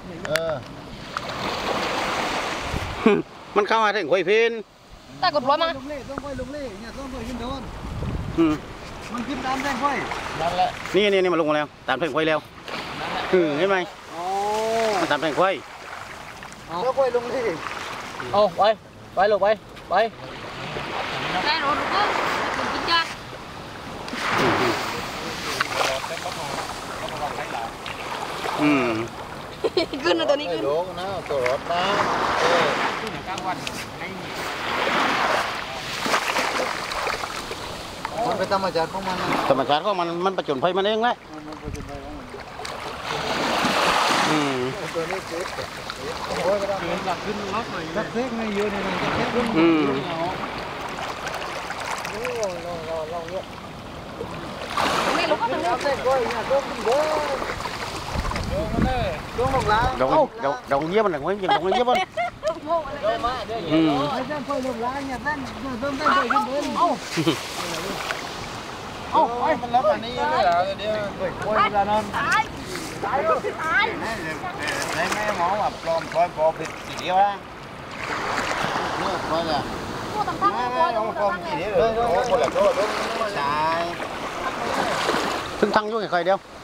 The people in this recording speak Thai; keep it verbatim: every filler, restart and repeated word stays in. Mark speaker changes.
Speaker 1: เออ
Speaker 2: มันเข้ามาถึงห้วยเพน
Speaker 3: แต่กดร้อยมา
Speaker 4: ลงเล่ต้องค่อยลงเล่เนี่ยต้องค่อยขึ้นโดน
Speaker 2: อืม
Speaker 4: มันขึ้นตามแท่งค่อย
Speaker 1: นั่นแหละ
Speaker 2: นี่นี่นี่มาลงมาแล้วตามแท่งห้วยแล้วอืมเห็นไหม
Speaker 4: โอ้
Speaker 2: มันตามแท่งห้วย
Speaker 4: แล้วค่อยลงเล่
Speaker 5: โอ้ไปไปลูกไปไป
Speaker 3: ได้รถก็กินยาก
Speaker 2: อืม
Speaker 3: ขึ้นนะตัวนี้ขึ้น
Speaker 1: โลกนะตัวรถนะเออ
Speaker 4: มันเป็นธรรมชาติของมันนะ
Speaker 2: ธรรมชาติของมันมันประจนภัยมันเองแหละ
Speaker 4: มันเป็นไปของมัน
Speaker 2: อืม
Speaker 4: ตัวนี้เจ็บโอ้ยก็ได้หลักขึ้นล็อกหน่อยจักเซ็กไม่เยอะนี่นะจักเซ็กขึ้น
Speaker 2: อืม
Speaker 4: โอ้ยเราเราเราเยอะ
Speaker 3: ไม่รู้ก็ถึง
Speaker 4: จักเซ็กค่อยเนี่ยต้องขึ้นเด้อต้องลงล้าง
Speaker 2: ดองดองดองเยี่ยมมันหนังไว้ยังดองเยี่ยมมันอืม
Speaker 4: ไอ้แท่งค่อยลงล้างเนี่ยแท่งเริ่มแท่งค่อยขึ้นเด้อเอ้า
Speaker 1: โอ้ยมันรับอันนี้เลยเหรอเดี๋ยว
Speaker 4: โอ้ยเวลานอน
Speaker 3: ตายตายตาย
Speaker 1: ได้ไหมหมอว่าปลอมปล่อยปลอมผิดกี่เดียวนะเลิกปล่อยเลย
Speaker 3: ผู้ต่างๆ
Speaker 1: ไม่
Speaker 3: ผู้
Speaker 1: ไม่ต้องปลอมกี่เดียวเลยโอ้คนละโทษใช่
Speaker 2: ถึงทางยุ่งกับใครเดียว
Speaker 1: เ